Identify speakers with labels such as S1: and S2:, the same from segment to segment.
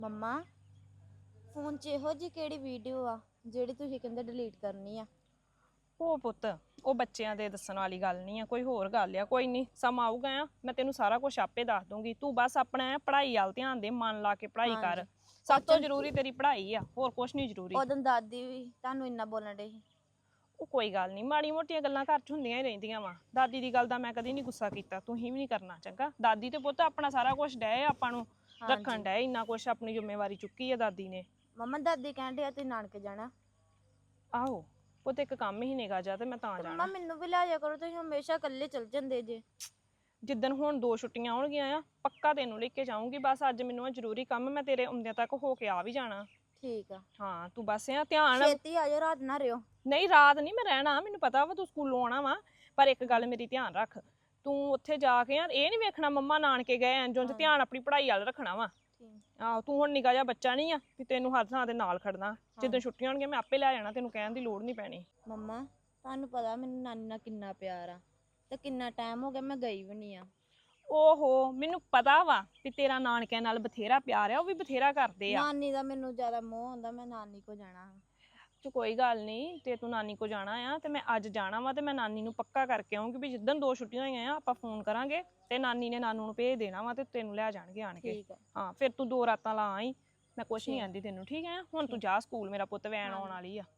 S1: ਮੰਮਾ phone 'ਚ ਇਹੋ ਜਿਹੀ ਕਿਹੜੀ ਵੀਡੀਓ ਆ ਜਿਹੜੀ ਤੁਸੀਂ ਕਹਿੰਦੇ ਡਿਲੀਟ ਕਰਨੀ ਆ?
S2: ਉਹ ਪੁੱਤ ਉਹ ਬੱਚਿਆਂ ਦੇ ਦੱਸਣ ਵਾਲੀ ਗੱਲ ਨਹੀਂ ਆ, ਕੋਈ ਹੋਰ ਗੱਲ ਆ। ਕੋਈ ਨਹੀਂ, ਸਮਾਂ ਆਊਗਾ ਆ, ਮੈਂ ਤੈਨੂੰ ਸਾਰਾ ਕੁਝ ਆਪੇ ਦੱਸ ਦੂੰਗੀ। ਤੂੰ ਬਸ ਆਪਣਾ ਪੜ੍ਹਾਈ ਵੱਲ ਧਿਆਨ ਦੇ, ਮਨ ਲਾ ਕੇ ਪੜ੍ਹਾਈ ਕਰ।
S1: ਹਾਂਜੀ।
S2: ਸਭ ਤੋਂ ਜ਼ਰੂਰੀ ਤੇਰੀ ਪੜ੍ਹਾਈ ਆ, ਹੋਰ ਕੁਝ ਨਹੀਂ ਜ਼ਰੂਰੀ।
S1: ਉਦੋਂ ਦਾਦੀ ਵੀ ਤੁਹਾਨੂੰ ਇੰਨਾ ਬੋਲਣ ਡਈ ਸੀ।
S2: ਉਹ ਕੋਈ ਗੱਲ ਨਹੀਂ, ਮਾੜੀ ਮੋਟੀਆਂ ਗੱਲਾਂ ਘਰ 'ਚ ਹੁੰਦੀਆਂ ਹੀ ਰਹਿੰਦੀਆਂ ਵਾ। ਦਾਦੀ ਦੀ ਗੱਲ ਦਾ ਮੈਂ ਕਦੀ ਨਹੀਂ ਗੁੱਸਾ ਕੀਤਾ, ਤੁਸੀਂ ਵੀ ਨਹੀਂ ਕਰਨਾ ਚੰਗਾ। ਦਾਦੀ ਤੇ ਪੁੱਤ ਆਪਣਾ ਸਾਰਾ ਕੁਝ ਡਏ ਆਪਾਂ ਨੂੰ ਰੱਖਣ ਡਏ, ਇੰਨਾ ਕੁਝ ਆਪਣੀ ਜ਼ਿੰਮੇਵਾਰੀ ਚੁੱਕੀ ਆ ਦਾਦੀ ਨੇ।
S1: ਮੰਮਾ ਦਾਦੀ ਕਹਿੰਦੇ ਆ ਤੁਸੀਂ ਨਾਨਕੇ ਜਾਣਾ।
S2: ਆਹੋ ਪੁੱਤ, ਇੱਕ ਕੰਮ ਹੀ ਨਿਕਾ ਜਾ ਤੇ ਮੈਂ ਤਾਂ
S1: ਮੰਮਾ
S2: ਜਾਣਾ।
S1: ਮੈਨੂੰ ਵੀ ਲੈ ਜਾ ਕਰੋ, ਤੁਸੀਂ ਹਮੇਸ਼ਾ ਇਕੱਲੇ ਚਲ ਜਾਂਦੇ ਜੇ।
S2: ਜਿੱਦਣ ਹੁਣ 2 ਛੁੱਟੀਆਂ ਆਉਣਗੀਆਂ ਆ, ਪੱਕਾ ਤੈਨੂੰ ਲੈ ਕੇ ਜਾਊਂਗੀ। ਬਸ ਅੱਜ ਮੈਨੂੰ ਇਹ ਜ਼ਰੂਰੀ ਕੰਮ, ਮੈਂ ਤੇਰੇ ਆਉਂਦਿਆਂ ਤੱਕ ਹੋ ਕੇ ਆ ਵੀ ਜਾਣਾ।
S1: ਠੀਕ ਆ।
S2: ਹਾਂ ਤੂੰ ਬਸ ਆ ਧਿਆਨ।
S1: ਛੇਤੀ ਆ ਜਾਓ, ਰਾਤ ਨਾ ਰਿਓ।
S2: ਨਹੀਂ ਰਾਤ ਨਹੀਂ ਮੈਂ ਰਹਿਣਾ, ਮੈਨੂੰ ਪਤਾ ਵਾ ਤੂੰ ਸਕੂਲੋਂ ਆਉਣਾ ਵਾ। ਪਰ ਇੱਕ ਗੱਲ ਮੇਰੀ ਧਿਆਨ ਰੱਖ, ਤੂੰ ਉੱਥੇ ਜਾ ਕੇ ਇਹ ਨਹੀਂ ਵੇਖਣਾ ਮੰਮਾ ਨਾਨਕੇ ਗਏ ਐਂ ਜੁੰਝ। ਧਿਆਨ ਆਪਣੀ ਪੜ੍ਹਾਈ ਵੱਲ ਰੱਖਣਾ ਵਾ। ਆਹੋ ਤੂੰ ਹੁਣ ਨਿੱਕਾ ਜਿਹਾ ਬੱਚਾ ਨਹੀਂ ਆ ਵੀ ਤੈਨੂੰ ਹਰ ਥਾਂ ਦੇ ਨਾਲ ਖੜਨਾ। ਜਿੱਦਾਂ ਛੁੱਟੀਆਂ ਹੋਣਗੀਆਂ ਮੈਂ ਆਪੇ ਲੈ ਜਾਣਾ, ਤੈਨੂੰ ਕਹਿਣ ਦੀ ਲੋੜ ਨਹੀਂ ਪੈਣੀ।
S1: ਮੰਮਾ ਤੁਹਾਨੂੰ ਪਤਾ ਮੈਨੂੰ ਨਾਨੀ ਨਾਲ ਕਿੰਨਾ ਪਿਆਰ ਆ, ਤੇ ਕਿੰਨਾ ਟਾਈਮ ਹੋ ਗਿਆ ਮੈਂ ਗਈ ਵੀ ਨਹੀਂ ਆ।
S2: ਓਹੋ ਮੈਨੂੰ ਪਤਾ ਵਾ ਵੀ ਤੇਰਾ ਨਾਨਕਿਆਂ ਨਾਲ ਬਥੇਰਾ ਪਿਆਰ ਆ, ਉਹ ਵੀ ਬਥੇਰਾ ਕਰਦੇ ਆ।
S1: ਨਾਨੀ ਦਾ ਮੈਨੂੰ ਜ਼ਿਆਦਾ ਮੋਹ ਹੁੰਦਾ, ਮੈਂ ਨਾਨੀ ਕੋ ਜਾਣਾ।
S2: ਤੇ ਕੋਈ ਗੱਲ ਨਹੀਂ, ਤੇ ਤੂੰ ਨਾਨੀ ਕੋ ਜਾਣਾ ਆ ਤੇ ਮੈਂ ਅੱਜ ਜਾਣਾ ਵਾ, ਤੇ ਮੈਂ ਨਾਨੀ ਨੂੰ ਪੱਕਾ ਕਰਕੇ ਆਉਂਗੀ ਵੀ ਜਿੱਦਣ 2 ਛੁੱਟੀਆਂ ਹੋਈਆਂ ਆ ਆਪਾਂ ਫੋਨ ਕਰਾਂਗੇ ਤੇ ਨਾਨੀ ਨੇ ਨਾਨੂ ਨੂੰ ਭੇਜ ਦੇਣਾ ਵਾ ਤੇ ਤੈਨੂੰ ਲੈ ਜਾਣਗੇ ਆਣ ਕੇ।
S1: ਠੀਕ ਆ।
S2: ਹਾਂ ਫਿਰ ਤੂੰ 2 ਰਾਤਾਂ ਲਾ ਆਈ, ਮੈਂ ਕੁਛ ਨਹੀਂ ਆਂਦੀ ਤੈਨੂੰ। ਠੀਕ ਹੈ, ਹੁਣ ਤੂੰ ਜਾ ਸਕੂਲ, ਮੇਰਾ ਪੁੱਤ ਵੈਨ ਆਉਣ ਵਾਲੀ ਆ।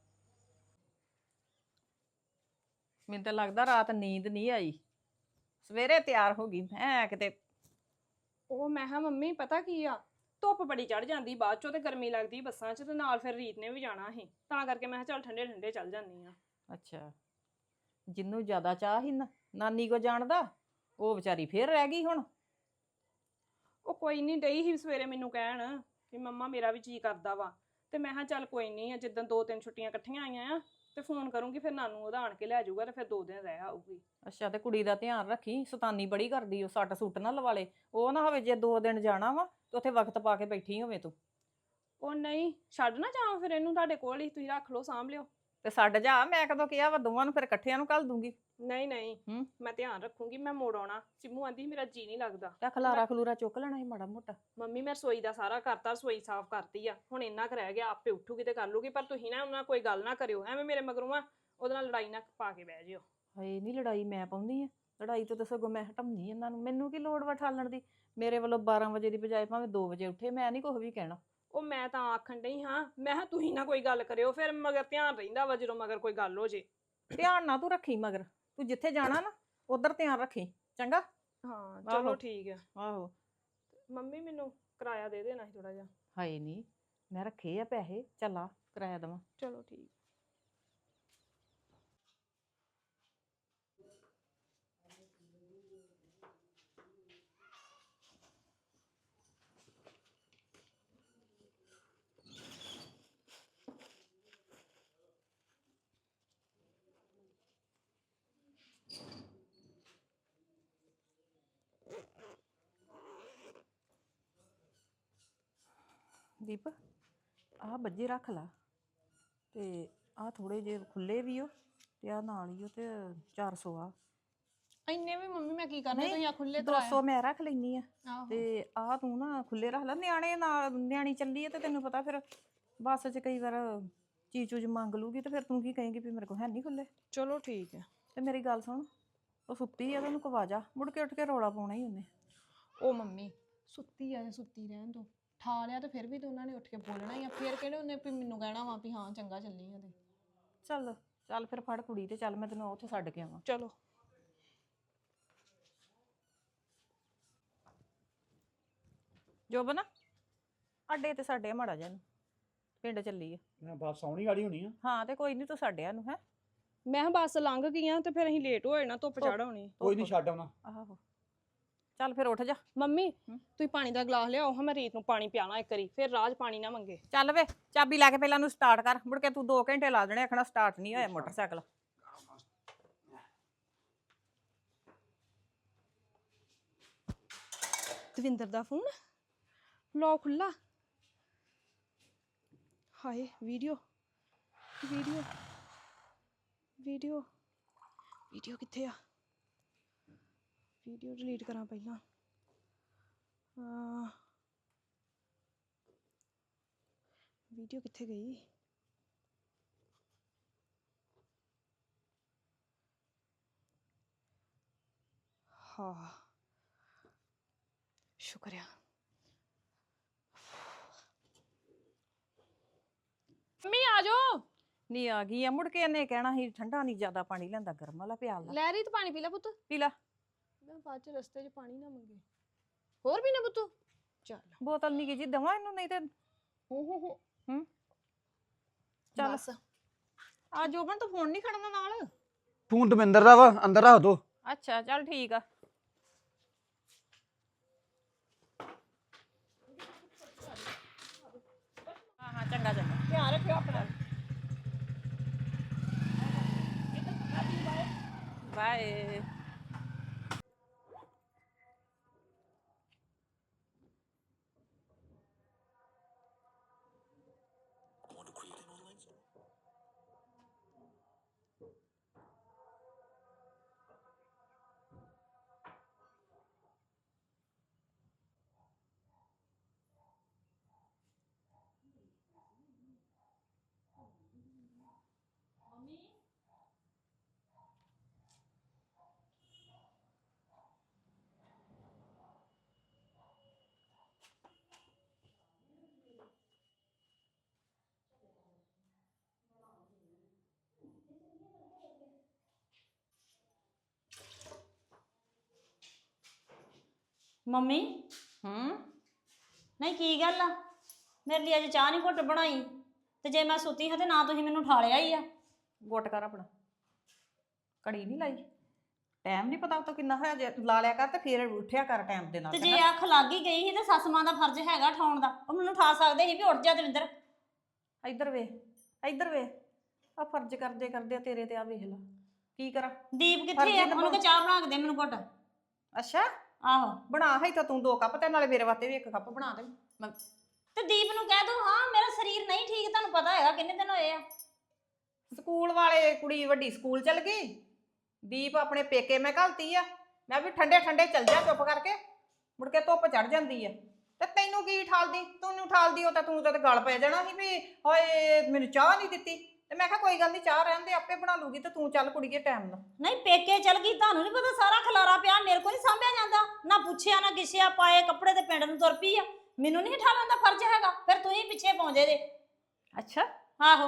S3: ਮੈਨੂੰ ਤਾਂ ਲੱਗਦਾ ਰਾਤ ਨੀਂਦ ਨਹੀਂ ਆਈ, ਸਵੇਰੇ ਤਿਆਰ ਹੋ ਗਈ ਮੈਂ ਕਿਤੇ।
S2: ਉਹ ਮੈਂ ਕਿਹਾ ਮੰਮੀ ਪਤਾ ਕੀ ਆ, ਧੁੱਪ ਬੜੀ ਚੜ ਜਾਂਦੀ ਬਾਅਦ ਚੋਂ ਤੇ ਗਰਮੀ ਲੱਗਦੀ ਬੱਸਾਂ 'ਚ, ਤੇ ਨਾਲ ਫਿਰ ਰੀਤ ਨੇ ਵੀ ਜਾਣਾ ਸੀ, ਤਾਂ ਕਰਕੇ ਮੈਂ ਕਿਹਾ ਚੱਲ ਠੰਡੇ ਠੰਡੇ ਚੱਲ ਜਾਂਦੀ ਆ।
S3: ਅੱਛਾ, ਜਿਹਨੂੰ ਜ਼ਿਆਦਾ ਚਾਹ ਸੀ ਨਾ ਨਾਨੀ ਕੋ ਜਾਣ ਦਾ, ਉਹ ਵਿਚਾਰੀ ਫੇਰ ਰਹਿ ਗਈ ਹੁਣ।
S2: ਉਹ ਕੋਈ ਨਹੀਂ, ਡਈ ਸੀ ਸਵੇਰੇ ਮੈਨੂੰ ਕਹਿਣ ਕਿ ਮੰਮਾ ਮੇਰਾ ਵੀ ਜੀ ਕਰਦਾ ਵਾ, ਤੇ ਮੈਂ ਕਿਹਾ ਚੱਲ ਕੋਈ ਨਹੀਂ, ਜਿੱਦਾਂ 2-3 ਛੁੱਟੀਆਂ ਇਕੱਠੀਆਂ ਆਈਆਂ ਆ ਤੇ ਫੋਨ ਕਰੂੰਗੀ, ਫਿਰ ਨਾਨੂ ਉਹਦਾ ਆਣ ਕੇ ਲੈ ਜਾਊਗਾ ਤੇ ਫਿਰ 2 ਦਿਨ ਰਹਿ ਆਊਗੀ।
S3: ਅੱਛਾ, ਤੇ ਕੁੜੀ ਦਾ ਧਿਆਨ ਰੱਖੀ, ਸ਼ੈਤਾਨੀ ਬੜੀ ਕਰਦੀ, ਉਹ ਸੱਟ ਸੁੱਟ ਨਾ ਲਵਾਲੇ। ਉਹ ਨਾ ਹੋਵੇ ਜੇ 2 ਦਿਨ ਜਾਣਾ ਵਾ ਤੇ ਉੱਥੇ ਵਕਤ ਪਾ ਕੇ ਬੈਠੀ ਹੋਵੇ ਤੂੰ।
S2: ਉਹ ਨਹੀਂ, ਛੱਡ ਨਾ ਜਾਵਾਂ ਫਿਰ ਇਹਨੂੰ ਤੁਹਾਡੇ ਕੋਲ ਹੀ, ਤੁਸੀਂ ਰੱਖ ਲਓ, ਸਾਂਭ ਲਿਓ।
S3: ਤੇ ਛੱਡ ਜਾ, ਮੈਂ ਕਦੋਂ ਕਿਹਾ ਵਾ, ਦੋਵਾਂ ਨੂੰ ਫਿਰ ਇਕੱਠਿਆਂ ਨੂੰ ਘੱਲ ਦੂੰਗੀ।
S2: ਨਹੀਂ ਨਹੀਂ, ਮੈਂ ਧਿਆਨ ਰੱਖੂੰਗੀ, ਮੈਂ ਮੋੜ ਆਉਣਾ। ਸਿੰਮੂ ਆਂਦੀ ਮੇਰਾ ਜੀ ਨਹੀਂ ਲੱਗਦਾ।
S3: ਤਾਂ ਖਲਾਰਾ ਖਲੂਰਾ ਚੁੱਕ ਲੈਣਾ ਸੀ ਮਾੜਾ ਮੋਟਾ।
S2: ਮੰਮੀ ਮੈਂ ਰਸੋਈ ਦਾ ਸਾਰਾ ਕਰਤਾ, ਰਸੋਈ ਸਾਫ਼ ਕਰਤੀ ਆ, ਹੁਣ ਇੰਨਾ ਕੁ ਰਹਿ ਗਿਆ, ਆਪੇ ਉੱਠੂਗੀ ਤੇ ਕਰ ਲੂਗੀ। ਪਰ ਤੁਸੀਂ ਨਾ ਉਹਨਾਂ ਕੋਈ ਗੱਲ ਨਾ ਕਰਿਓ, ਐਵੇਂ ਮੇਰੇ ਮਗਰੋਂ ਆ ਉਹਦੇ ਨਾਲ ਲੜਾਈ ਨਾ ਪਾ ਕੇ ਬਹਿ ਜਿਓ।
S3: ਹਾਏ ਨਹੀਂ, ਲੜਾਈ ਮੈਂ ਪਾਉਂਦੀ ਆ? ਲੜਾਈ ਤੋਂ ਤਾਂ ਸਗੋਂ ਮੈਂ ਹਟਾਉਂਦੀ ਇਹਨਾਂ ਨੂੰ, ਮੈਨੂੰ ਕੀ ਲੋੜ ਵਾ ਠਾਲਣ ਦੀ। ਮੇਰੇ ਵੱਲੋਂ 12 ਵਜੇ ਦੀ ਬਜਾਏ ਭਾਵੇਂ 2 ਵਜੇ ਉੱਠੇ, ਮੈਂ ਨਹੀਂ ਕੁਛ ਵੀ ਕਹਿਣਾ।
S2: ਉਹ ਮੈਂ ਤਾਂ ਆਖਣ ਡਈ ਹਾਂ, ਮੈਂ ਕਿਹਾ ਤੁਸੀਂ ਨਾ ਕੋਈ ਗੱਲ ਕਰਿਓ, ਫਿਰ ਮਗਰ ਧਿਆਨ ਰਹਿੰਦਾ ਵਾ ਜਦੋਂ ਮਗਰ ਕੋਈ ਗੱਲ ਹੋ ਜੇ।
S3: ਧਿਆਨ ਨਾ ਤੂੰ ਰੱਖੀ ਮਗਰ, ਤੂੰ ਜਿੱਥੇ ਜਾਣਾ ਨਾ ਉਧਰ ਧਿਆਨ ਰੱਖੀ, ਚੰਗਾ।
S2: ਹਾਂ ਚਲੋ ਠੀਕ ਆ।
S3: ਆਹੋ।
S2: ਮੰਮੀ ਮੈਨੂੰ ਕਿਰਾਇਆ ਦੇ ਦੇਣਾ ਸੀ ਥੋੜਾ ਜਿਹਾ।
S3: ਹਾਏ ਨਹੀਂ, ਮੈਂ ਰੱਖੇ ਆ ਪੈਸੇ, ਚੱਲ ਆ ਕਿਰਾਇਆ ਦੇਵਾਂ।
S2: ਚਲੋ ਠੀਕ।
S3: ਦੀਪ, ਆਹ ਬੱਜੇ ਰੱਖ ਲਾ, ਤੇ ਆਹ ਥੋੜੇ ਜਿਹੇ ਖੁੱਲੇ ਵੀ ਹੋ, ਤੇ ਆਹ ਨਾਲ ਹੀ ਹੋ, ਤੇ 400 ਆ।
S2: ਇੰਨੇ ਵੀ ਮੰਮੀ ਮੈਂ ਕੀ ਕਰਨੇ, ਤੁਸੀਂ ਆ ਖੁੱਲੇ
S3: 200 ਮੈਂ ਰੱਖ ਲੈਣੀ ਆ,
S2: ਆਹੋ।
S3: ਤੇ ਆਹ ਤੂੰ ਨਾ ਖੁੱਲੇ ਰੱਖ ਲੈ। ਨਿਆਣੇ ਨਾਲ, ਨਿਆਣੀ ਚੱਲੀ ਆ ਤੇ ਤੈਨੂੰ ਪਤਾ ਫਿਰ ਬੱਸ 'ਚ ਕਈ ਵਾਰ ਚੀਜ਼ ਚੂਜ਼ ਮੰਗ ਲੂਗੀ, ਤੇ ਫਿਰ ਤੂੰ ਕੀ ਕਹੇਂਗੀ ਵੀ ਮੇਰੇ ਕੋਲ ਹੈ ਨਹੀਂ ਖੁੱਲੇ।
S2: ਚਲੋ ਠੀਕ ਹੈ।
S3: ਤੇ ਮੇਰੀ ਗੱਲ ਸੁਣ, ਉਹ ਸੁੱਤੀ ਆ ਤੇ ਉਹਨੂੰ ਕਵਾ ਜਾ, ਮੁੜ ਕੇ ਉੱਠ ਕੇ ਰੌਲਾ ਪਾਉਣਾ ਹੀ ਉਹਨੇ।
S2: ਉਹ ਮੰਮੀ ਸੁੱਤੀ ਆ, ਸੁੱਤੀ ਰਹਿਣ ਦੋ, ਠਾ ਲਿਆ ਤੇ ਫਿਰ ਵੀ ਤਾਂ ਉਹਨਾਂ ਨੇ ਉੱਠ ਕੇ ਬੋਲਣਾ ਹੀ ਆ। ਫਿਰ ਕਿਹੜੇ ਉਹਨੇ ਵੀ ਮੈਨੂੰ ਕਹਿਣਾ ਵਾ ਵੀ ਹਾਂ ਚੰਗਾ ਚੱਲੀ ਆ ਤੇ।
S3: ਚੱਲ ਚੱਲ ਫਿਰ ਫੜ ਕੁੜੀ ਤੇ ਚੱਲ, ਮੈਂ ਤੈਨੂੰ ਉੱਥੇ ਛੱਡ ਕੇ ਆਵਾਂ।
S2: ਚਲੋ।
S3: ਜੋਬਨ, ਅੱਡੇ ਤੇ ਸਾਡੇ ਮਾੜਾ ਜਿਹਾ ਨੂੰ ਪਿੰਡ ਚੱਲੀ ਆ।
S4: ਮੈਂ ਬੱਸ ਆਉਣੀ ਵਾਲੀ ਹੋਣੀ ਆ।
S3: ਹਾਂ ਤੇ ਕੋਈ ਨਹੀਂ, ਤੂੰ ਛੱਡਿਆ ਨੂੰ ਹੈ।
S2: ਮੈਂ ਕਿਹਾ ਬੱਸ ਲੰਘ ਗਈਆਂ ਤੇ ਫਿਰ ਅਸੀਂ ਲੇਟ ਹੋ ਜਾਣਾ, ਧੁੱਪ ਚੜ ਆਉਣੀ।
S4: ਕੋਈ ਨਹੀਂ, ਛੱਡ ਆਉਣਾ।
S3: ਆਹੋ, ਚੱਲ ਫਿਰ ਉੱਠ ਜਾ।
S2: ਮੰਮੀ ਤੁਸੀਂ ਪਾਣੀ ਦਾ ਗਲਾਸ ਲਿਆਓ, ਹਾਂ ਮੈਂ ਰੀਤ ਨੂੰ ਪਾਣੀ ਪਿਆਣਾ ਇੱਕ ਵਾਰੀ, ਫਿਰ ਰਾਜ ਪਾਣੀ ਨਾ ਮੰਗੇ।
S3: ਚੱਲ ਵੇ, ਚਾਬੀ ਲੈ ਕੇ ਪਹਿਲਾਂ ਨੂੰ ਸਟਾਰਟ ਕਰ, ਮੁੜ ਕੇ ਤੂੰ 2 ਘੰਟੇ ਲਾ ਦੇਣੇ ਆਖਣਾ ਸਟਾਰਟ ਨਹੀਂ ਹੋਇਆ ਮੋਟਰਸਾਈਕਲ।
S2: ਦਵਿੰਦਰ ਦਾ ਫੋਨ ਲੋ ਖੁੱਲਾ। ਹਾਏ ਵੀਡੀਓ ਵੀਡੀਓ ਵੀਡੀਓ ਵੀਡੀਓ ਕਿੱਥੇ ਆ? ਵੀਡੀਓ ਡਿਲੀਟ ਕਰਾਂ ਪਹਿਲਾਂ। ਵੀਡੀਓ ਕਿੱਥੇ ਗਈ? ਹਾਂ ਸ਼ੁਕਰ ਆ। ਮੰਮੀ ਆ ਜਾਓ।
S3: ਨਹੀਂ ਆ ਗਈ ਆ, ਮੁੜ ਕੇ ਇਹਨੇ ਕਹਿਣਾ ਸੀ ਠੰਡਾ ਨਹੀਂ ਜ਼ਿਆਦਾ ਪਾਣੀ ਲੈਂਦਾ, ਗਰਮ ਵਾਲਾ ਪਿਆਲ ਲਾ।
S2: ਲੈ ਰਹੀ ਤੂੰ ਪਾਣੀ ਪੀ ਲੈ ਪੁੱਤ।
S3: ਪੀ ਲਾ।
S2: ਮੈਂ ਬਾਅਦ ਚ ਰਸਤੇ 'ਚ ਪਾਣੀ ਨਾ ਮੰਗੇ। ਹੋਰ ਵੀ ਨਾ ਪੁੱਤ। ਚੱਲ
S3: ਬੋਤਲ ਨਹੀਂ ਜੀ ਦਵਾਂ ਇਹਨੂੰ, ਨਹੀਂ ਤੇ ਹੂੰ ਚੱਲ
S2: ਬਸ।
S3: ਆ ਜੋਬਨ ਤੂੰ ਫੋਨ ਨਹੀਂ ਖੜਨਾ ਨਾਲ।
S4: ਫੋਨ ਦਵਿੰਦਰ ਦਾ ਵਾ, ਅੰਦਰ ਰੱਖ ਦੋ।
S3: ਅੱਛਾ ਚੱਲ ਠੀਕ ਆ। ਹਾਂ ਚੰਗਾ ਚੰਗਾ,
S2: ਧਿਆਨ ਰੱਖਿਓ ਆਪਣਾ।
S3: ਬਾਏ।
S5: ਮੰਮੀ ਨਹੀਂ ਕੀ ਗੱਲ ਆ? ਮੇਰੇ ਲਈ ਅੱਜ ਚਾਹ ਨਹੀਂ ਘੁੱਟ ਬਣਾਈ ਤੇ ਜੇ ਮੈਂ ਸੁੱਤੀ ਹਾਂ ਤੇ ਨਾ ਤੁਸੀਂ ਮੈਨੂੰ ਉਠਾਲਿਆ ਹੀ ਆ।
S3: ਗੁੱਟ ਕਰ ਆਪਣਾ, ਘੜੀ ਨਹੀਂ ਲਾਈ। ਟਾਈਮ ਨਹੀਂ ਪਤਾ ਉਤੋਂ ਕਿੰਨਾ ਹੋਇਆ, ਜੇ ਲਾ ਲਿਆ ਕਰ ਤੇ ਫੇਰ ਉੱਠਿਆ ਕਰ ਟਾਈਮ ਦੇ ਨਾਲ।
S5: ਤੇ ਜੇ ਅੱਖ ਲੱਗ ਹੀ ਗਈ ਸੀ ਤੇ ਸੱਸ ਮਾਂ ਦਾ ਫਰਜ਼ ਹੈਗਾ ਉਠਾਉਣ ਦਾ। ਉਹ ਮੈਨੂੰ ਉਠਾ ਸਕਦੇ ਸੀ ਵੀ ਉੱਠ ਜਾ ਦਵਿੰਦਰ।
S3: ਇੱਧਰ ਵੇ, ਇੱਧਰ ਵੇ, ਆ ਫਰਜ਼ ਕਰਦੇ ਕਰਦੇ ਤੇਰੇ ਤੇ ਆ ਵੇਖ ਲਾ ਕੀ ਕਰਾਂ।
S5: ਦੀਪ ਕਿੱਥੇ ਆ? ਉਹਨੂੰ ਕਹ ਚਾਹ ਬਣਾ ਕੇ ਦੇ ਮੈਨੂੰ ਘੁੱਟ।
S3: ਅੱਛਾ
S5: ਆਹੋ
S3: ਬਣਾ ਹੈ ਤਾਂ ਤੂੰ 2 ਕੱਪ ਤੇ ਨਾਲੇ ਮੇਰੇ ਵਾਸਤੇ ਵੀ 1 ਕੱਪ ਬਣਾ ਦੇ।
S5: ਤੇ ਦੀਪ ਨੂੰ ਕਹਿ ਦੋ ਹਾਂ ਮੇਰਾ ਸਰੀਰ ਨਹੀਂ ਠੀਕ, ਤੁਹਾਨੂੰ ਪਤਾ ਹੈਗਾ ਕਿੰਨੇ ਦਿਨ ਹੋਏ ਆ।
S3: ਸਕੂਲ ਵਾਲੇ ਕੁੜੀ ਵੱਡੀ ਸਕੂਲ ਚਲ ਗਈ, ਦੀਪ ਆਪਣੇ ਪੇਕੇ ਮੈਂ ਘਲਤੀ ਆ। ਮੈਂ ਵੀ ਠੰਡੇ ਠੰਡੇ ਚੱਲ ਜਾ ਚੁੱਪ ਕਰਕੇ, ਮੁੜ ਕੇ ਧੁੱਪ ਚੜ ਜਾਂਦੀ ਆ ਤੇ ਤੈਨੂੰ ਕੀ ਠਾਲਦੀ? ਤੂੰ ਠਾਲਦੀ ਹੋ ਤਾਂ ਤੂੰ ਤਾਂ ਗਲ ਪੈ ਜਾਣਾ ਸੀ ਵੀ ਹੋਏ ਮੈਨੂੰ ਚਾਹ ਨਹੀਂ ਦਿੱਤੀ। ਤੇ ਮੈਂ ਕਿਹਾ ਕੋਈ ਗੱਲ ਨਹੀਂ, ਚਾਹ ਰਹਿਣ ਦੇ ਆਪੇ ਬਣਾ ਲੂਗੀ ਤੇ ਤੂੰ ਚੱਲ ਕੁੜੀਏ ਟਾਈਮ ਨਾਲ।
S5: ਨਹੀਂ ਪੇਕੇ ਚਲ ਗਈ, ਤੁਹਾਨੂੰ ਨਹੀਂ ਪਤਾ ਸਾਰਾ ਖਲਾਰਾ ਪਿਆ ਮੇਰੇ ਕੋਲ ਨਹੀਂ ਸਾਂਭਿਆ ਜਾਂਦਾ। ਨਾ ਪੁੱਛਿਆ ਨਾ ਗਿੱਛਿਆ, ਪਾਏ ਕੱਪੜੇ ਤੇ ਪਿੰਡ ਨੂੰ ਤੁਰ ਪਈ ਆ। ਮੈਨੂੰ ਨਹੀਂ ਉਠਾਉਣ ਦਾ ਫਰਜ਼ ਹੈਗਾ, ਫਿਰ ਤੁਸੀਂ ਪਿੱਛੇ ਪਹੁੰਚੇ ਜੇ।
S3: ਅੱਛਾ
S5: ਆਹੋ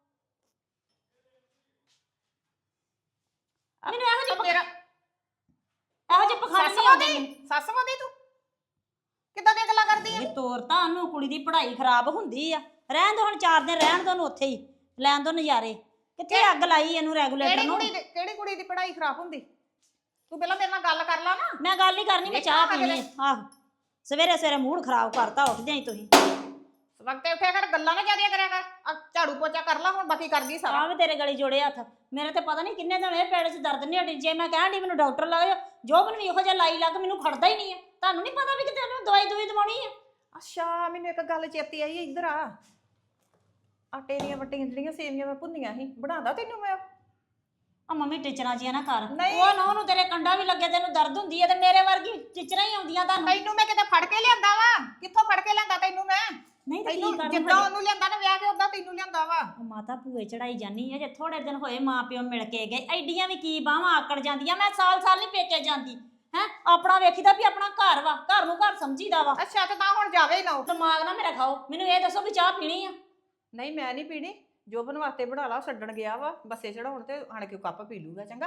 S5: ਮੈਨੂੰ ਇਹੋ ਜਿਹੇ
S3: ਮੇਰਾ
S5: ਇਹੋ ਜਿਹੇ ਪਖੰਡ ਨਹੀਂ ਆਉਂਦੇ ਮੈਨੂੰ।
S3: ਸੱਸ ਵਾਦੀ ਤੂੰ ਕਿੱਦਾਂ ਦੀਆਂ ਗੱਲਾਂ ਕਰਦੀ ਆ?
S5: ਇਹ ਤੋਰ ਤਾਂ ਉਹਨੂੰ ਕੁੜੀ ਦੀ ਪੜ੍ਹਾਈ ਖਰਾਬ ਹੁੰਦੀ ਆ। ਰਹਿਣ ਦੋ ਹੁਣ 4 ਦਿਨ ਰਹਿਣ ਦੋ ਉਹਨੂੰ ਉੱਥੇ ਹੀ, ਲੈਣ ਦੋ ਨਜ਼ਾਰੇ। ਕਿੱਥੇ ਅੱਗ ਲਾਈ ਇਹਨੂੰ ਰੈਗੂਲੇਟਰ ਨੂੰ।
S3: ਕਿਹੜੀ ਕੁੜੀ ਦੀ ਪੜ੍ਹਾਈ ਖਰਾਬ ਹੁੰਦੀ? ਤੂੰ ਪਹਿਲਾਂ ਮੇਰੇ ਨਾਲ ਗੱਲ ਕਰ ਲਾ ਨਾ।
S5: ਮੈਂ ਗੱਲ ਨਹੀਂ ਕਰਨੀ, ਮੈਂ ਚਾਹ ਪੀਣੀ ਆ। ਆਹੋ ਸਵੇਰੇ ਸਵੇਰੇ ਮੂਡ ਖਰਾਬ ਕਰਤਾ, ਉੱਠ ਜਾਈ ਤੁਸੀਂ।
S3: ਵਕਤੇ ਉੱਠਿਆ ਕਰ, ਗੱਲਾਂ ਨਾ ਜ਼ਿਆਦੀਆਂ ਕਰਿਆ ਕਰ। ਆ ਝਾੜੂ ਪੋਚਾ ਕਰ ਲਾ ਹੁਣ, ਬਾਕੀ ਕਰ ਗਈ ਸਾਰਾ।
S5: ਆਹ ਵੀ ਤੇਰੇ ਗਲੀ ਜੋੜੇ ਹੱਥ। ਮੇਰੇ ਤੇ ਪਤਾ ਨਹੀਂ ਕਿੰਨੇ ਦਿਨ ਇਹ ਪੇਟ 'ਚ ਦਰਦ ਨਹੀਂ ਹਟੀ। ਜੇ ਮੈਂ ਕਹਿਣ ਡਈ ਮੈਨੂੰ ਡਾਕਟਰ ਲਾਇਓ, ਜੋਬਨ ਵੀ ਇਹੋ ਜਿਹਾ ਲਾਈ ਲੱਗ ਮੈਨੂੰ ਖੜਦਾ ਹੀ ਨਹੀਂ ਆ। ਤੁਹਾਨੂੰ ਨਹੀਂ ਪਤਾ ਵੀ ਕਿਤੇ ਉਹਨੂੰ ਦਵਾਈ ਦਵਾਉਣੀ ਆ?
S3: ਅੱਛਾ ਮੈਨੂੰ ਇੱਕ ਗੱਲ ਚੇਤੀ ਆਈ, ਇੱਧਰ ਆ। ਆਟੇ ਦੀਆਂ ਵੱਟੀਆਂ ਜਿਹੜੀਆਂ ਸੇਵੀਆਂ ਮੈਂ ਭੁੰਨੀਆਂ ਸੀ, ਬਣਾਦਾ ਤੈਨੂੰ ਮੈਂ?
S5: ਆ ਮੰਮੀ ਟੀਚਰਾਂ ਜੀਆਂ ਨਾ ਕਰ।
S3: ਨਹੀਂ।
S5: ਉਹ ਨਾ ਉਹਨੂੰ ਤੇਰੇ ਕੰਡਾ ਵੀ ਲੱਗੇ, ਤੈਨੂੰ ਦਰਦ ਹੁੰਦੀ ਆ ਤੇ ਮੇਰੇ ਵਰਗੀ ਟੀਚਰਾਂ ਹੀ ਆਉਂਦੀਆਂ ਤੁਹਾਨੂੰ।
S3: ਤੈਨੂੰ ਮੈਂ ਕਿਤੇ ਫੜ ਕੇ ਲਿਆਂਦਾ ਵਾ? ਕਿੱਥੋਂ ਫੜ ਕੇ ਲਿਆਂਦਾ ਤੈਨੂੰ ਮੈਂ?
S5: ਨਹੀਂ ਤੇ ਕੀ
S3: ਤੈਨੂੰ
S5: ਕਰਨ
S3: ਜਿੱਦਾਂ ਉਹਨੂੰ ਲਿਆਂਦਾ ਨਾ ਵਿਆਹ ਕੇ, ਉਦਾਂ ਤੈਨੂੰ ਲਿਆਂਦਾ ਵਾ।
S5: ਮਾਤਾ ਭੂਏ ਚੜਾਈ ਜਾਨੀ ਆ। ਜੇ ਥੋੜੇ ਦਿਨ ਹੋਏ ਮਾਂ ਪਿਓ ਮਿਲ ਕੇ ਗਏ, ਐਡੀਆਂ ਵੀ ਕੀ ਬਾਹਾਂ ਆਕੜ ਜਾਂਦੀਆਂ। ਮੈਂ ਸਾਲ ਨਹੀਂ ਪੇਕੇ ਜਾਂਦੀ ਹੈ। ਆਪਣਾ ਵੇਖੀਦਾ ਵੀ ਆਪਣਾ ਘਰ ਵਾ, ਘਰ ਨੂੰ ਘਰ ਸਮਝੀਦਾ ਵਾ।
S3: ਅੱਛਾ ਤੇ ਤਾਂ ਹੁਣ ਜਾਵੇ ਹੀ ਨਾ ਉਹ।
S5: ਦਿਮਾਗ ਨਾ ਮੇਰਾ ਖਾਓ। ਮੈਨੂੰ ਇਹ ਦੱਸੋ ਵੀ ਚਾਹ ਪੀਣੀ ਆ?
S3: ਨਹੀਂ ਮੈਂ ਨਹੀਂ ਪੀਣੀ। ਜੋਬਨ ਵਾਸਤੇ ਬਣਾ ਲਾ, ਛੱਡਣ ਗਿਆ ਵਾ ਬੱਸੇ ਚੜਾਉਣ, ਤੇ ਆਣ ਕੇ ਕੱਪ ਪੀ ਲੂਗਾ। ਚੰਗਾ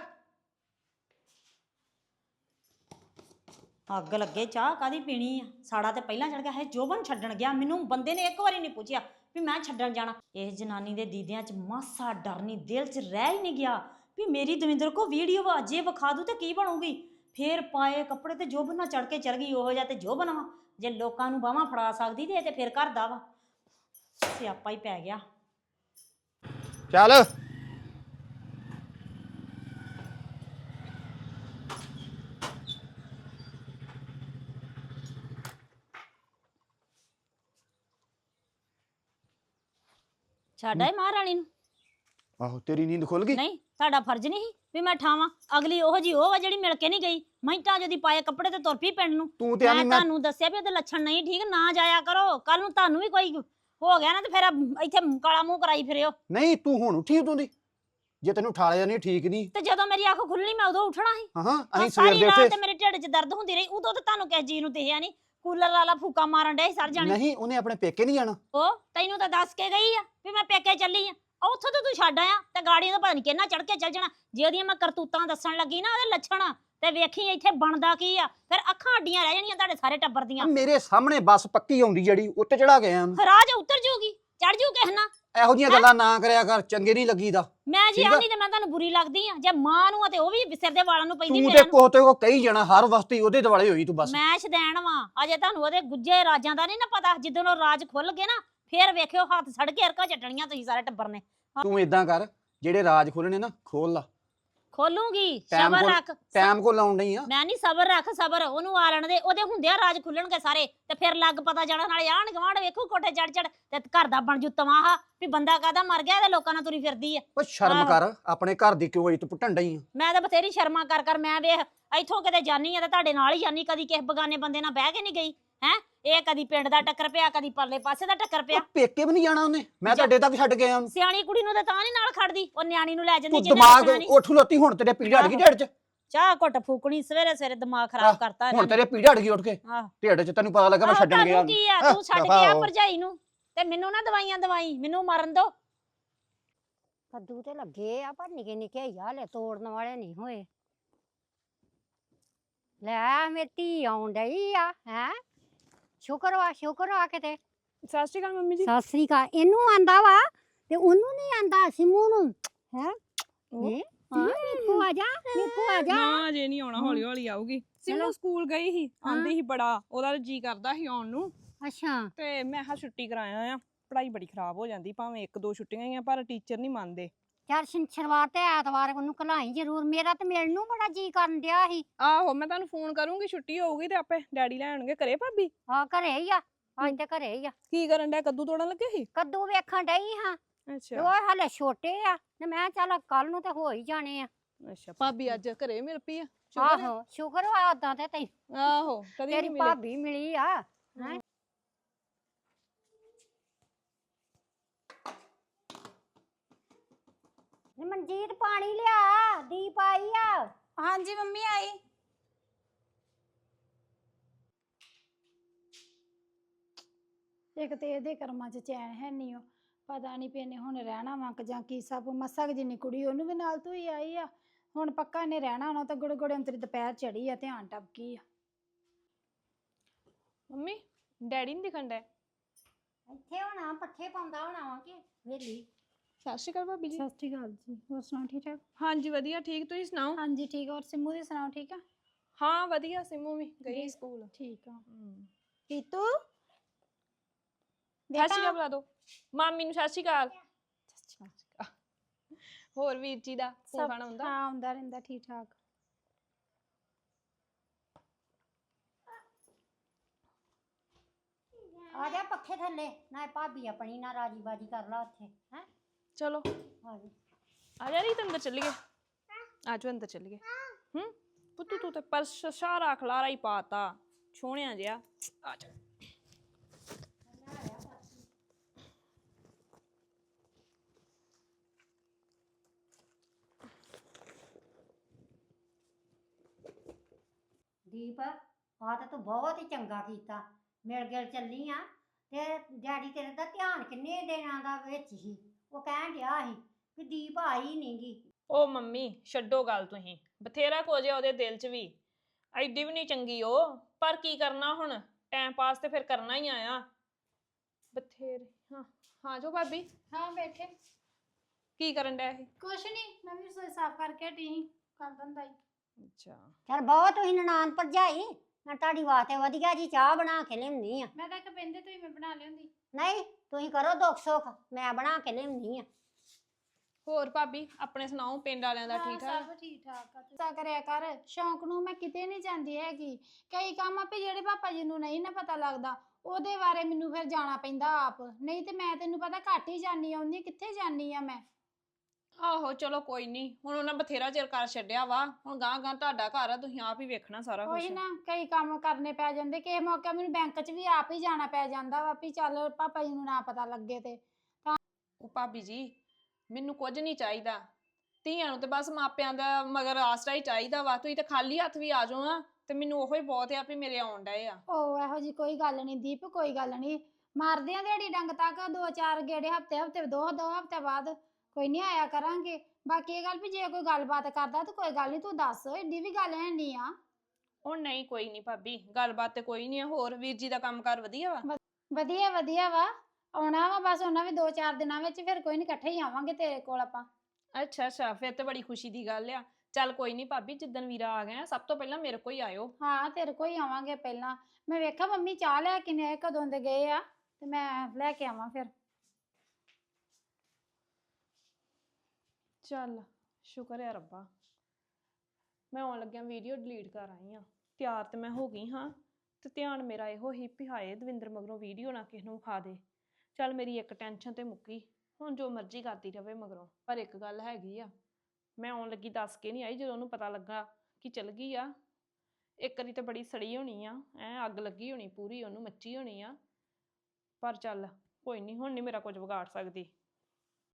S5: ਅੱਗ ਲੱਗੇ, ਚਾਹ ਕਾਦੀ ਪੀਣੀ ਆ? ਸਾੜਾ ਤੇ ਪਹਿਲਾਂ ਚੜ ਗਿਆ ਹੈ। ਜੋਬਨ ਛੱਡਣ ਗਿਆ, ਮੈਨੂੰ ਬੰਦੇ ਨੇ ਇੱਕ ਵਾਰੀ ਨਹੀਂ ਪੁੱਛਿਆ ਵੀ ਮੈਂ ਛੱਡਣ ਜਾਣਾ। ਇਸ ਜਨਾਨੀ ਦੇ ਦੀਦਿਆਂ 'ਚ ਮਾਸਾ ਡਰ ਨਹੀਂ, ਦਿਲ 'ਚ ਰਹਿ ਹੀ ਨਹੀਂ ਗਿਆ ਵੀ ਮੇਰੀ ਦਵਿੰਦਰ ਕੋ ਵੀਡੀਓ ਵਾ, ਜੇ ਵਿਖਾ ਦੂ ਤੇ ਕੀ ਬਣੂਗੀ। ਫੇਰ ਪਾਏ ਕੱਪੜੇ ਤੇ ਜੋਬਨ ਨਾਲ ਚੜ ਕੇ ਚੜ ਗਈ। ਉਹੋ ਜਿਹਾ ਤੇ ਜੋਬਨ ਵਾ, ਜੇ ਲੋਕਾਂ ਨੂੰ ਬਾਹਾਂ ਫੜਾ ਸਕਦੀ ਤੇ ਇਹ ਤੇ ਫੇਰ ਘਰ ਦਾ ਵਾ। ਸਿਆਪਾ ਹੀ ਪੈ ਗਿਆ।
S4: ਚੱਲ
S5: ਛੱਡ ਆਏ ਮਹਾਰਾਣੀ ਨੂੰ।
S4: ਆਹੋ ਤੇਰੀ ਨੀਂਦ ਖੁੱਲ ਗਈ।
S5: ਨਹੀਂ ਤੁਹਾਡਾ ਫਰਜ਼ ਨਹੀਂ ਵੀ ਮੈਂ ਠਾਵਾਂ। ਅਗਲੀ ਉਹੋ ਜੀ ਉਹ ਵਾ ਜਿਹੜੀ ਮਿਲ ਕੇ ਨਹੀਂ ਗਈ। ਮਿੰਟਾਂ ਜਦੀ ਪਾਏ ਕੱਪੜੇ ਤੇ ਤੁਰ ਪਈ ਪਿੰਡ ਨੂੰ।
S4: ਤੂੰ ਤੇ
S5: ਮੈਂ ਤੁਹਾਨੂੰ ਦੱਸਿਆ ਵੀ ਉਹਦੇ ਲੱਛਣ ਨਹੀਂ ਠੀਕ, ਨਾ ਜਾਇਆ ਕਰੋ। ਕੱਲ ਨੂੰ ਤੁਹਾਨੂੰ ਵੀ ਕੋਈ ਹੋ ਗਿਆ ਨਾ ਤੇ ਫਿਰ ਇੱਥੇ ਕਾਲਾ ਮੂੰਹ ਕਰਾਈ ਫਿਰਿਓ।
S4: ਨਹੀਂ ਤੂੰ ਹੁਣ ਉੱਠੀ ਉਦੋਂ ਦੀ, ਜੇ ਤੈਨੂੰ ਠਾਲਿਆ ਨਹੀਂ ਠੀਕ ਨਹੀਂ।
S5: ਤੇ ਜਦੋਂ ਮੇਰੀ ਅੱਖ ਖੁੱਲਣੀ ਮੈਂ ਉਦੋਂ ਉੱਠਣਾ ਸੀ।
S4: ਹਾਂ ਅਸੀਂ
S5: ਸਾਰੀ
S4: ਸਵੇਰ ਦੇ
S5: ਰਾਤ
S4: ਉੱਥੇ
S5: ਤੇ ਮੇਰੇ ਢਿੱਡ 'ਚ ਦਰਦ ਹੁੰਦੀ ਰਹੀ, ਉਦੋਂ ਤੇ ਤੁਹਾਨੂੰ ਕਿਸ ਜੀ ਨੂੰ ਦਿਖਿਆ ਨਹੀਂ। ਕੂਲਰ ਵਾਲਾ ਫੂਕਾ ਮਾਰਨ ਡੇ ਸਰ ਜਾਣੇ।
S4: ਨਹੀਂ ਉਹਨੇ ਆਪਣੇ ਪੇਕੇ ਨਹੀਂ ਜਾਣਾ।
S5: ਉਹ ਤੈਨੂੰ ਤਾਂ ਦੱਸ ਕੇ ਗਈ ਆ ਵੀ ਮੈਂ ਪੇਕੇ ਚੱਲੀ ਆ, ਉੱਥੋਂ ਤਾਂ ਤੂੰ ਛੱਡ ਆਇਆ ਤੇ ਗਾੜੀ ਦਾ ਪਤਾ ਨਹੀਂ ਕਿੰਨਾ ਚੜ ਕੇ ਚੱਲ ਜਾਣਾ। ਜੇ ਉਹਦੀਆਂ ਮੈਂ ਕਰਤੂਤਾਂ ਦੱਸਣ ਲੱਗੀ ਨਾ ਉਹਦੇ ਲੱਛਣ ਤੇ ਵੇਖੀ ਇੱਥੇ ਬਣਦਾ ਕੀ ਆ, ਫਿਰ ਅੱਖਾਂ ਅੱਡੀਆਂ ਰਹਿ ਜਾਣੀਆਂ ਤੁਹਾਡੇ ਸਾਰੇ ਟੱਬਰ ਦੀਆਂ।
S4: ਮੇਰੇ ਸਾਹਮਣੇ ਬੱਸ ਪੱਕੀ ਆਉਂਦੀ ਜਿਹੜੀ ਉੱਤੇ ਚੜਾ ਗਿਆ ਉਹਨੂੰ।
S5: ਰਾਜ ਉਤਰ ਜੂਗੀ, ਚੜ ਜੂ ਕਿਸ ਨਾ।
S4: ਇਹੋ ਜਿਹੀਆਂ ਗੱਲਾਂ ਨਾ ਕਰਿਆ ਕਰ, ਚੰਗੇ ਨਹੀਂ ਲੱਗੀਦਾ।
S5: ਮੈਂ ਜੀ
S4: ਠੀਕ ਆ।
S5: ਆਂਦੀ ਤੇ ਮੈਂ ਤੁਹਾਨੂੰ ਬੁਰੀ ਲੱਗਦੀ ਆ, ਜੇ ਮਾਂ ਨੂੰ ਆ ਤੇ ਉਹ ਵੀ ਸਿਰ ਦੇ ਵਾਲਾਂ ਨੂੰ ਪੈਂਦੀ
S4: ਤੂੰ
S5: ਮੇਰੇ
S4: ਤੇ ਕੋਹ ਤੇ ਕੋ ਕਹੀ ਜਾਣਾ, ਹਰ ਵਕਤ ਹੀ ਉਹਦੇ ਦੁਆਲੇ ਹੋਈ ਤੂੰ ਬਸ।
S5: ਮੈਂ ਸ਼ਦੈਣ ਵਾਂ, ਅਜੇ ਤੁਹਾਨੂੰ ਉਹਦੇ ਗੁੱਜੇ ਰਾਜਾਂ ਦਾ ਨਹੀਂ ਨਾ ਪਤਾ। ਜਿੱਦੋਂ ਉਹ ਰਾਜ ਖੁੱਲ ਗਏ ਨਾ ਫੇਰ ਵੇਖਿਓ ਹੱਥ ਸੜ ਕੇ ਅਰਕਾ ਚੱਟਣੀਆਂ ਤੁਸੀਂ ਸਾਰੇ ਟੱਬਰ ਨੇ।
S4: ਤੂੰ ਇਦਾਂ ਕਰ, ਜਿਹੜੇ ਰਾਜ ਖੋਲਣੇ ਨਾ ਖੋਲ ਲਾ।
S5: ਖੋਲੂਗੀ,
S4: ਟਾਈਮ
S5: ਸਬਰ
S4: ਕੋਲ
S5: ਰੱਖ।
S4: ਟਾਈਮ ਕੋ ਲਾਉਣ ਨਹੀਂ ਆ।
S5: ਮੈਂ ਨਹੀਂ ਸਬਰ ਰੱਖ, ਸਬਰ ਉਹਨੂੰ ਆ ਲੈਣ ਦੇ, ਉਹਦੇ ਹੁੰਦਿਆਂ ਰਾਜ ਖੁੱਲਣਗੇ ਸਾਰੇ ਤੇ ਫਿਰ ਲੱਗ ਪਤਾ ਜਾਣਾ। ਨਾਲੇ ਆਣ ਗਵਾਂਢ ਵੇਖੋ ਕੋਠੇ ਚੜ ਚੜ ਤੇ ਘਰ ਦਾ ਬਣ ਜੂ ਤਮਾਹਾ ਵੀ ਬੰਦਾ ਕਾਹਦਾ ਮਰ ਗਿਆ ਤੇ ਲੋਕਾਂ ਨਾਲ ਤੁਰੀ ਫਿਰਦੀ ਆ।
S4: ਓ ਸ਼ਰਮ
S5: ਆਹੋ।
S4: ਕਰ, ਆਪਣੇ ਘਰ ਦੀ ਕਿਉਂ ਇੱਜ਼ਤ ਪੁੱਟਣ ਡਈ ਆ?
S5: ਮੈਂ ਤਾਂ ਬਥੇਰੀ ਸ਼ਰਮਾ ਕਰ ਕਰ ਮੈਂ ਵੇਖ ਇੱਥੋਂ ਕਿਤੇ ਜਾਨੀ ਆ ਤੇ ਤੁਹਾਡੇ ਨਾਲ ਹੀ ਜਾਨੀ, ਕਦੀ ਕਿਸੇ ਬਗਾਨੇ ਬੰਦੇ ਨਾਲ ਬਹਿ ਕੇ ਨਹੀਂ ਗਈ ਹੈ। ਇਹ ਕਦੀ ਪਿੰਡ ਦਾ ਟੱਕਰ ਪਿਆ, ਕਦੀ ਪਰਲੇ ਪਾਸੇ ਦਾ ਟੱਕਰ ਪਿਆ।
S4: ਉਹ ਪੇਕੇ ਵੀ ਨਹੀਂ ਜਾਣਾ ਉਹਨੇ, ਮੈਂ ਤੁਹਾਡੇ ਤੱਕ ਛੱਡ ਕੇ ਆਇਆ ਉਹਨੂੰ।
S5: ਸਿਆਣੀ ਕੁੜੀ ਨੂੰ ਤਾਂ ਨਹੀਂ ਨਾਲ ਖੜਦੀ, ਉਹ ਨਿਆਣੀ ਨੂੰ ਲੈ ਜਾਂਦੀ
S4: ਤੂੰ
S5: ਜਿਹਨੇ
S4: ਦਿਮਾਗ
S5: ਰੋਕਣਾ ਨੀ।
S4: ਉੱਠ ਲੋਤੀ, ਹੁਣ ਤੇਰੇ ਪੀੜ ਹਟ ਗਈ ਢਿੱਡ 'ਚ।
S5: ਚਾਹ ਘੁੱਟ ਫੂਕਣੀ ਸਵੇਰੇ ਸਵੇਰੇ ਦਿਮਾਗ ਖਰਾਬ ਕਰਤਾ
S4: ਹੁਣ ਤੇਰੇ ਪੀੜ ਹਟ ਗਈ ਉੱਠ ਕੇ
S5: ਆਹ
S4: ਢਿੱਡ 'ਚ। ਤੈਨੂੰ ਪਤਾ ਲੱਗਾ ਮੈਂ ਛੱਡਣ ਗਿਆ
S5: ਤੁਹਾਨੂੰ ਕੀ ਆ,
S4: ਆਹ,
S5: ਤੂੰ ਛੱਡ
S4: ਦਫ਼ਾ
S5: ਕੇ ਆ
S4: ਹੋ।
S5: ਭਰਜਾਈ ਨੂੰ ਤੇ ਮੈਨੂੰ ਨਾ ਦਵਾਈਆਂ ਦਵਾਈ, ਮੈਨੂੰ ਮਰਨ ਦੋ।
S6: ਕੱਦੂ ਤੇ ਲੱਗੇ ਆ ਪਰ ਨਿੱਕੇ ਨਿੱਕੇ ਹੀ ਆ, ਹਲੇ ਤੋੜਨ ਵਾਲੇ ਨਹੀਂ ਹੋਏ। ਲੈ ਮੇਰੀ ਧੀ ਆਉਣ ਡਈ ਆ ਹੈ। ਸ਼ੁਕਰ ਵਾ ਕਿਤੇ।
S2: ਸਤਿ ਸ਼੍ਰੀ ਅਕਾਲ ਮੰਮੀ ਜੀ।
S6: ਸਤਿ ਸ੍ਰੀ ਅਕਾਲ। ਇਹਨੂੰ ਆਂਦਾ ਵਾ ਤੇ ਉਹਨੂੰ ਨਹੀਂ ਆਂਦਾ, ਸਿੰਮੂ ਨੂੰ ਹੈ। ਮੇਕੋ ਆ ਜਾ, ਮੇਕੋ ਆ ਜਾ।
S2: ਨਾ ਅਜੇ ਨਹੀਂ ਆਉਣਾ, ਹੌਲੀ ਹੌਲੀ ਆਊਗੀ।
S6: ਚਲੋ।
S2: ਸਿੰਮੂ ਸਕੂਲ ਗਈ ਸੀ, ਆਂਦੀ ਸੀ ਬੜਾ, ਉਹਦਾ ਜੀ ਕਰਦਾ ਸੀ ਆਉਣ ਨੂੰ
S6: ਅੱਛਾ
S2: ਤੇ ਮੈਂ ਹਾਂ ਛੁੱਟੀ ਕਰਾਇਆ ਆ। ਪੜ੍ਹਾਈ ਬੜੀ ਖਰਾਬ ਹੋ ਜਾਂਦੀ, ਭਾਵੇਂ ਇੱਕ ਦੋ ਛੁੱਟੀਆਂ ਹੀ ਆ ਪਰ ਟੀਚਰ ਨਹੀਂ ਮੰਨਦੇ।
S6: ਚੱਲ ਸ਼ਨੀਵਾਰ ਤੇ ਐਤਵਾਰ ਉਹਨੂੰ ਘਲਾਈ ਜ਼ਰੂਰ। ਮੇਰਾ ਤੇ ਮਿਲਣ ਨੂੰ ਬੜਾ ਜੀ ਕਰਨ ਡਿਆ ਸੀ।
S2: ਆਹੋ ਮੈਂ ਤੁਹਾਨੂੰ ਫੋਨ ਕਰੂੰਗੀ, ਛੁੱਟੀ ਹੋਊਗੀ ਤੇ ਆਪੇ ਡੈਡੀ ਲੈਣਗੇ। ਘਰੇ ਭਾਬੀ
S6: ਆ ਘਰੇ ਹੀ ਆ, ਅੱਜ ਤੇ ਘਰੇ ਹੀ ਆ।
S2: ਕੀ ਕਰਨ ਡਿਆ? ਕੱਦੂ ਤੋੜਨ ਲੱਗੇ ਸੀ?
S6: ਕੱਦੂ ਵੇਖਣ ਡਈ ਹਾਂ।
S2: ਅੱਛਾ
S6: ਉਹ ਹਲੇ ਛੋਟੇ ਆ ਤੇ ਮੈਂ ਚੱਲ ਕੱਲ ਨੂੰ ਤੇ ਹੋ ਹੀ ਜਾਣੇ ਆ।
S2: ਅੱਛਾ, ਭਾਬੀ ਅੱਜ ਘਰੇ ਮਿਲ ਪਈ ਆ?
S6: ਆਹੋ ਸ਼ੁਕਰ ਵਾ ਉਦਾਂ ਤੇ ਤੈਨੂੰ
S2: ਆਹੋ ਕਦੀ
S6: ਤੇਰੀ
S2: ਨਹੀਂ ਮਿਲੇ।
S6: ਭਾਬੀ ਮਿਲੀ ਆ ਹੈਂ। ਨੀ ਮਨਜੀਤ ਪਾਣੀ ਲਿਆ, ਦੀਪ ਆਈ ਆ।
S1: ਹਾਂਜੀ ਮੰਮੀ ਆਈ।
S7: ਇੱਕ ਤੇ ਇਹਦੇ ਕਰਮਾਂ 'ਚ ਚੈਨ ਹੈ ਨਹੀਂ। ਉਹ ਪਤਾ ਨਹੀਂ ਪੀਨੇ ਹੁਣ ਰਹਿਣਾ ਵਾ ਕਿ ਜਾਂ ਕੀ ਸਭ। ਮੱਸਾ ਕੁ ਜਿੰਨੀ ਕੁੜੀ ਉਹਨੂੰ ਵੀ ਨਾਲ ਤੂੰ ਹੀ ਆਈ ਆ। ਹੁਣ ਪੱਕਾ ਇਹਨੇ ਰਹਿਣਾ ਹੋਣਾ ਤਾਂ ਗੁੜ ਗੁੜੇ ਤੇਰੀ ਦੁਪਹਿਰ ਚੜੀ ਆ, ਧਿਆਨ ਟਪਕੀ ਆ।
S2: ਮੰਮੀ ਡੈਡੀ ਨਹੀਂ ਦਿਖਣ ਡਿਆ?
S6: ਇੱਥੇ ਹੋਣਾ, ਪੱਠੇ ਪਾਉਂਦਾ ਹੋਣਾ ਵਾ ਕਿ ਵੇਲੀ।
S2: ਸਤਿ ਸ਼੍ਰੀ ਅਕਾਲ ਭਾਬੀ ਜੀ।
S7: ਸਤਿ ਸ਼੍ਰੀ ਅਕਾਲ ਜੀ, ਹੋਰ ਸੁਣਾਓ ਠੀਕ ਠਾਕ?
S2: ਹਾਂਜੀ ਵਧੀਆ, ਠੀਕ। ਤੁਸੀਂ ਸੁਣਾਓ?
S7: ਹਾਂਜੀ ਠੀਕ ਆ। ਹੋਰ ਸਿੰਮੂ ਦੀ ਸੁਣਾਓ, ਠੀਕ ਆ?
S2: ਹਾਂ ਵਧੀਆ, ਸਿੰਮੂ ਵੀ ਗਈ ਸਕੂਲ।
S7: ਠੀਕ ਆ। ਪੀਤੂ
S2: ਸਤਿ ਸ਼੍ਰੀ ਅਕਾਲ ਬੁਲਾ ਦੋ ਮਾਮੀ ਨੂੰ। ਸਤਿ ਸ਼੍ਰੀ ਅਕਾਲ। ਹੋਰ ਵੀਰ ਜੀ ਦਾ ਫੋਨ ਖਾਣਾ ਹੁੰਦਾ?
S7: ਹਾਂ ਹੁੰਦਾ ਰਹਿੰਦਾ, ਠੀਕ ਠਾਕ।
S6: ਆ ਜਾ ਪੱਖੇ ਥੱਲੇ, ਨਾ ਭਾਬੀ ਆਪਣੀ ਨਾ ਰਾਜੀ ਬਾਜੀ ਕਰ ਲਾ ਉੱਥੇ ਹੈ।
S2: ਚਲੋ
S6: ਆ ਜਾ।
S2: ਆ ਜਾ ਰੀਤ, ਅੰਦਰ ਚੱਲੀਏ। ਆਜੋ ਅੰਦਰ ਚੱਲੀਏ। ਪੁੱਤੂ ਤੂੰ ਤੇ ਪਰਸ ਸਾਰਾ ਖਲਾਰਾ ਹੀ ਪਾਤਾ, ਛੋਹਣਿਆ ਜਿਹਾ। ਆ ਜਾ।
S6: ਦੀਪ ਆ ਤਾਂ ਤੂੰ ਬਹੁਤ ਹੀ ਚੰਗਾ ਕੀਤਾ, ਮਿਲ ਗਿਲ ਚੱਲੀ ਆ। ਤੇ ਡੈਡੀ ਤੇਰੇ ਦਾ ਧਿਆਨ ਕਿੰਨੇ ਦਿਨਾਂ ਦਾ ਵਿੱਚ ਹੀ ਉਹ ਕਹਿਣ ਡਿਆ ਸੀ ਕਿ ਦੀਪ ਆਈ ਨੀ ਗੀ।
S2: ਓ ਮੰਮੀ ਛੱਡੋ ਗੱਲ, ਤੁਸੀਂ ਬਥੇਰਾ ਕੁਝ ਆ ਉਹਦੇ ਦਿਲ 'ਚ ਵੀ। ਐਡੀ ਵੀ ਨਹੀਂ ਚੰਗੀ ਉਹ, ਪਰ ਕੀ ਕਰਨਾ ਹੁਣ, ਟਾਈਮ ਪਾਸ ਤੇ ਫਿਰ ਕਰਨਾ ਹੀ ਆਇਆ ਬਥੇਰੇ। ਹਾਂ ਹਾਂ ਜੋ ਭਾਬੀ।
S7: ਹਾਂ ਬੈਠੇ।
S2: ਕੀ ਕਰਨ ਡਿਆ ਇਹ?
S7: ਕੁਛ ਨਹੀਂ, ਮੈਂ ਵੀ ਰਸੋਈ ਸਾਫ਼ ਕਰਕੇ ਹਟੀ ਸੀ, ਕਰ ਦਿੰਦਾ ਈ।
S2: ਅੱਛਾ
S6: ਚਲ ਬਹੁਤ ਤੁਸੀਂ ਨਨਾਣ ਭਰਜਾਈ, ਮੈਂ ਤੁਹਾਡੀ ਵਾਸਤੇ ਵਧੀਆ ਜੀ ਚਾਹ ਬਣਾ ਕੇ ਲਿਆਉਂਦੀ ਆ।
S7: ਮੈਂ ਤਾਂ ਇੱਕ ਬੰਦੇ ਤੋਂ ਹੀ ਮੈਂ ਬਣਾ ਲਿਆਉਂਦੀ।
S6: ਨਹੀਂ ਤੁਸੀਂ ਕਰੋ ਦੁੱਖ ਸੁੱਖ, ਮੈਂ ਬਣਾ ਕੇ ਲਿਆਉਂਦੀ ਆ।
S2: ਹੋਰ ਭਾਬੀ ਆਪਣੇ ਸੁਣਾਓ, ਪਿੰਡ ਵਾਲਿਆਂ ਦਾ ਠੀਕ ਠਾਕ?
S7: ਸਭ ਠੀਕ ਠਾਕ ਆ। ਤੂੰ ਕਰਿਆ ਕਰ, ਸ਼ੌਂਕ ਨੂੰ ਮੈਂ ਕਿਤੇ ਨਹੀਂ ਜਾਂਦੀ ਹੈਗੀ। ਕਈ ਕੰਮ ਆਪੇ ਜਿਹੜੇ ਪਾਪਾ ਜੀ ਨੂੰ ਨਹੀਂ ਨਾ ਪਤਾ ਲੱਗਦਾ, ਉਹਦੇ ਬਾਰੇ ਮੈਨੂੰ ਫਿਰ ਜਾਣਾ ਪੈਂਦਾ ਆਪ। ਨਹੀਂ ਤੇ ਮੈਂ ਤੈਨੂੰ ਪਤਾ ਘੱਟ ਹੀ ਜਾਨੀ ਆਉਂਦੀ, ਕਿੱਥੇ ਜਾਨੀ ਆ ਮੈਂ।
S2: ਆਹੋ ਚਲੋ ਕੋਈ ਨਹੀਂ, ਹੁਣ ਉਹਨਾਂ ਬਥੇਰਾ ਚਿਰ ਕਰ ਛੱਡਿਆ ਵਾ, ਹੁਣ ਗਾਂ ਗਾਂ ਤੁਹਾਡਾ ਘਰ ਆ, ਤੁਸੀਂ ਆਪ ਹੀ ਵੇਖਣਾ ਸਾਰਾ ਕੁਝ।
S7: ਉਹੀ ਨਾ ਕਈ ਕੰਮ ਕਰਨੇ ਪੈ ਜਾਂਦੇ, ਕਿਸੇ ਮੌਕੇ ਮੈਨੂੰ ਬੈਂਕ 'ਚ ਵੀ ਆਪ ਹੀ ਜਾਣਾ ਪੈ ਜਾਂਦਾ ਵਾ ਵੀ ਚੱਲ ਪਾਪਾ ਜੀ ਨੂੰ ਨਾ ਪਤਾ ਲੱਗੇ ਤੇ।
S2: ਉਹ ਭਾਬੀ ਜੀ ਮੈਨੂੰ ਕੁਝ ਨਹੀਂ ਚਾਹੀਦਾ, ਧੀਆਂ ਨੂੰ ਤੇ ਬਸ ਮਾਪਿਆਂ ਦਾ ਮਗਰ ਆਸਰਾ ਹੀ ਚਾਹੀਦਾ ਵਾ, ਤੁਸੀਂ ਤੇ ਖਾਲੀ ਹੱਥ ਵੀ ਆ ਜਾਓ ਨਾ ਤੇ ਮੈਨੂੰ ਉਹੋ ਹੀ ਬਹੁਤ ਆ ਵੀ ਮੇਰੇ ਆਉਣ ਡਏ ਆ।
S7: ਉਹ ਇਹੋ ਜੀ ਕੋਈ ਗੱਲ ਨਹੀਂ ਦੀਪ, ਕੋਈ ਗੱਲ ਨਹੀਂ, ਮਾਰਦੇ ਆ ਦਿਹਾੜੀ ਡੰਗ ਤੱਕ 2-4 ਗੇੜੇ ਹਫਤੇ 2 ਹਫਤੇ ਬਾਅਦ ਕੋਈ ਨਹੀਂ ਆਇਆ ਕਰਾਂਗੇ। ਬਾਕੀ ਇਹ ਗੱਲ ਵੀ ਜੇ ਕੋਈ ਗੱਲਬਾਤ ਕਰਦਾ ਤਾਂ ਕੋਈ ਗੱਲ ਨਹੀਂ, ਤੂੰ ਦੱਸ, ਏਡੀ ਵੀ ਗੱਲ ਹੈ ਨਹੀਂ ਆ।
S2: ਉਹ ਨਹੀਂ ਕੋਈ ਨਹੀਂ ਭਾਬੀ, ਗੱਲਬਾਤ ਤੇ ਕੋਈ ਨਹੀਂ ਆ। ਹੋਰ ਵੀਰ ਜੀ ਦਾ ਕੰਮਕਾਰ ਵਧੀਆ ਵਾ?
S7: ਵਧੀਆ ਵਧੀਆ ਵਾ, ਆਉਣਾ ਵਾ ਬਸ ਉਹਨਾਂ ਵੀ 2-4 ਦਿਨਾਂ ਵਿੱਚ, ਫਿਰ ਕੋਈ ਨਹੀਂ ਇਕੱਠੇ ਹੀ ਆਵਾਂਗੇ ਤੇਰੇ ਕੋਲ ਆਪਾਂ।
S2: ਅੱਛਾ ਅੱਛਾ, ਫਿਰ ਤੇ ਬੜੀ ਖੁਸ਼ੀ ਦੀ ਗੱਲ ਆ। ਚੱਲ ਕੋਈ ਨਹੀਂ ਭਾਬੀ, ਜਿੱਦਣ ਵੀਰਾ ਆ ਗਿਆ ਸਭ ਤੋਂ ਪਹਿਲਾਂ ਮੇਰੇ ਕੋਲ ਹੀ ਆਇਓ।
S7: ਹਾਂ ਤੇਰੇ ਕੋਲ ਹੀ ਆਵਾਂਗੇ ਪਹਿਲਾਂ। ਮੈਂ ਵੇਖਾਂ ਮੰਮੀ ਚਾਹ ਲੈ ਕੇ ਨੇ ਕਦੋਂ ਦੇ ਗਏ ਆ ਤੇ ਮੈਂ ਲੈ ਕੇ ਆਵਾਂ ਫਿਰ।
S2: ਚੱਲ ਸ਼ੁਕਰ ਹੈ ਰੱਬਾ, ਮੈਂ ਆਉਣ ਲੱਗਿਆ ਵੀਡੀਓ ਡਿਲੀਟ ਕਰ ਆਈ ਆ। ਤਿਆਰ ਤੇ ਮੈਂ ਹੋ ਗਈ ਹਾਂ ਤੇ ਧਿਆਨ ਮੇਰਾ ਇਹੋ ਹੀ ਵੀ ਹਾਏ ਦਵਿੰਦਰ ਮਗਰੋਂ ਵੀਡੀਓ ਨਾ ਕਿਸੇ ਨੂੰ ਖਾ ਦੇ। ਚੱਲ ਮੇਰੀ ਇੱਕ ਟੈਨਸ਼ਨ ਤੇ ਮੁੱਕੀ, ਹੁਣ ਜੋ ਮਰਜ਼ੀ ਕਰਦੀ ਰਵੇ ਮਗਰੋਂ। ਪਰ ਇੱਕ ਗੱਲ ਹੈਗੀ ਆ, ਮੈਂ ਆਉਣ ਲੱਗੀ ਦੱਸ ਕੇ ਨਹੀਂ ਆਈ, ਜਦੋਂ ਉਹਨੂੰ ਪਤਾ ਲੱਗਾ ਕਿ ਚਲ ਗਈ ਆ, ਇੱਕ ਵਾਰੀ ਤੇ ਬੜੀ ਸੜੀ ਹੋਣੀ ਆ, ਅੱਗ ਲੱਗੀ ਹੋਣੀ ਪੂਰੀ, ਉਹਨੂੰ ਮੱਚੀ ਹੋਣੀ ਆ। ਪਰ ਚੱਲ ਕੋਈ ਨਹੀਂ, ਹੁਣ ਨਹੀਂ ਮੇਰਾ ਕੁਝ ਵਿਗਾੜ ਸਕਦੀ।